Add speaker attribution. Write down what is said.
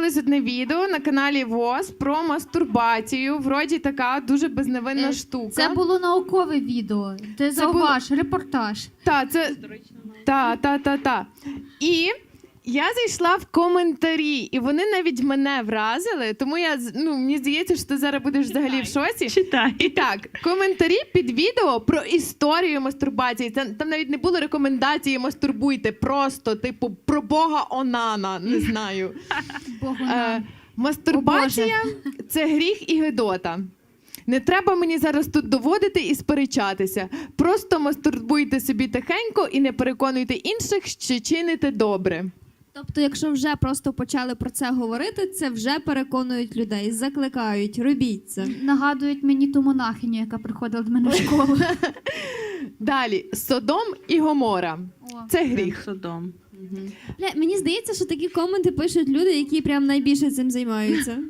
Speaker 1: з'явилось одне відео на каналі ВОЗ про мастурбацію. Вроді така дуже безневинна штука.
Speaker 2: Це було наукове відео. Ти зауваж, репортаж.
Speaker 1: Та. І я зайшла в коментарі, і вони навіть мене вразили, тому мені здається, що ти зараз будеш взагалі в шоці.
Speaker 3: Читай.
Speaker 1: І так, коментарі під відео про історію мастурбації. Там навіть не було рекомендації мастурбуйте, просто, типу, про Бога Онана, не знаю. Мастурбація – це гріх і гидота. Не треба мені зараз тут доводити і сперечатися. Просто мастурбуйте собі тихенько і не переконуйте інших, що чините добре.
Speaker 4: Тобто, якщо вже просто почали про це говорити, це вже переконують людей, закликають, робіть це.
Speaker 2: Нагадують мені ту монахиню, яка приходила до мене в школу.
Speaker 1: Далі. Содом і Гомора. Це гріх.
Speaker 3: Содом.
Speaker 4: Мені здається, що такі коменти пишуть люди, які прям найбільше цим займаються.